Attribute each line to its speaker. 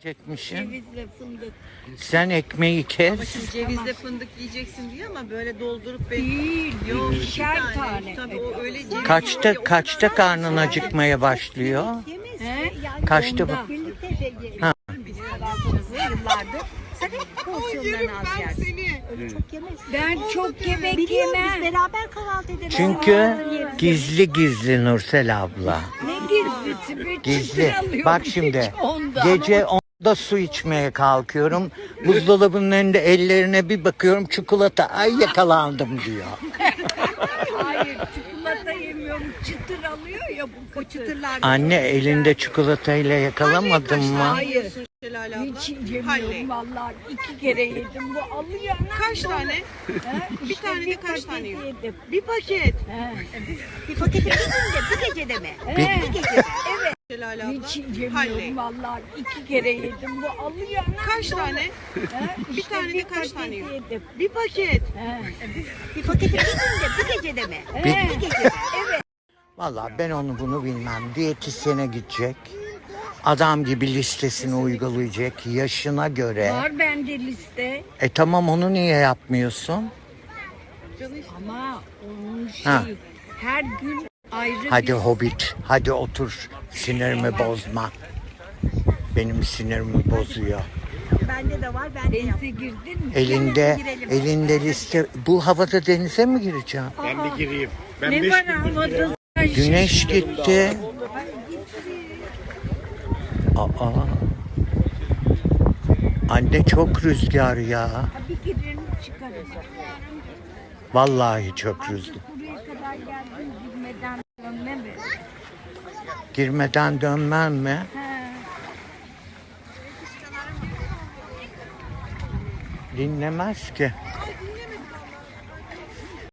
Speaker 1: Çekmişim.
Speaker 2: Cevizle fındık.
Speaker 1: Sen ekmeği kes.
Speaker 3: Ama şimdi cevizle fındık yiyeceksin diyor ama böyle doldurup
Speaker 2: Değil.
Speaker 3: Yok,
Speaker 2: İkişer tane.
Speaker 3: Tabii o öyle ceviz
Speaker 1: Kaçta karnın acıkmaya başlıyor?
Speaker 2: He?
Speaker 1: Kaçta
Speaker 2: Onda.
Speaker 1: bu?
Speaker 4: Birlikte de yiyelim.
Speaker 1: Ha.
Speaker 4: Biz kahvaltımızı yıllardır. Sen hep porsiyonlarını az yersin. Öyle çok yemeyiz.
Speaker 2: Ben çok yemek
Speaker 4: Biliyorum biz
Speaker 2: yemem.
Speaker 4: beraber kahvaltı ederiz.
Speaker 1: Çünkü gizli Nursel abla.
Speaker 2: Ne gizlisi? Bir
Speaker 1: Gizli.
Speaker 2: çıtır alıyorum
Speaker 1: Bak şimdi
Speaker 2: hiç onda.
Speaker 1: gece 10'da su içmeye kalkıyorum. Buzdolabının önünde ellerine bir bakıyorum, çikolata, ay yakalandım diyor.
Speaker 2: Hayır çikolata yemiyorum. Çıtır alıyor ya bu çıtırlar.
Speaker 1: Anne elinde çikolatayla yakalamadın mı?
Speaker 2: Hayır.
Speaker 3: Şelale abla.
Speaker 2: Hiç yemiyorum vallahi. 2 kere yedim. Bu alıyor.
Speaker 3: Kaç tane?
Speaker 2: He?
Speaker 3: Bir
Speaker 2: İşte
Speaker 3: tane de kaç
Speaker 2: paket
Speaker 3: tane yiyor?
Speaker 2: yedim.
Speaker 3: Bir paket.
Speaker 2: He.
Speaker 4: Bir paketi bir günde, bir gecede mi?
Speaker 2: He.
Speaker 4: Bir gecede.
Speaker 3: Şelale abla.
Speaker 2: Hiç yemiyorum vallahi. 2 kere yedim. Bu alıyor.
Speaker 3: Kaç tane?
Speaker 2: He?
Speaker 3: Bir
Speaker 2: İşte
Speaker 3: tane de kaç
Speaker 2: paket
Speaker 3: tane yiyor?
Speaker 2: yedim.
Speaker 3: Bir paket.
Speaker 2: He.
Speaker 4: Bir paketi bir günde, bir gecede mi?
Speaker 2: He.
Speaker 4: Bir gecede.
Speaker 1: Vallahi ben onu bunu bilmem. Diyetisyene gidecek. Adam gibi listesini uygulayacak yaşına göre.
Speaker 2: Var bende liste.
Speaker 1: Tamam, onu niye yapmıyorsun?
Speaker 2: Ama onun
Speaker 1: Ha.
Speaker 2: her gün ayrı
Speaker 1: Hadi
Speaker 2: bir...
Speaker 1: Hobbit, hadi otur. Sinirimi bozma. Benim sinirimi bozuyor.
Speaker 4: Bende de var, ben de yaptım.
Speaker 2: Denize girdin mi?
Speaker 1: Elinde liste. Bu havada denize mi gireceğim?
Speaker 5: Ben bir gireyim. Ben
Speaker 2: Ne
Speaker 5: 5
Speaker 2: var
Speaker 5: gündür
Speaker 2: havada?
Speaker 1: Güneş gitti. Aa. Anne çok rüzgar ya.
Speaker 2: Bir girelim çıkarız.
Speaker 1: Vallahi çok rüzgar.
Speaker 2: Buraya kadar geldim girmeden dönme mi?
Speaker 1: Girmeden dönmem mi?
Speaker 2: He.
Speaker 1: Dinlemez ki.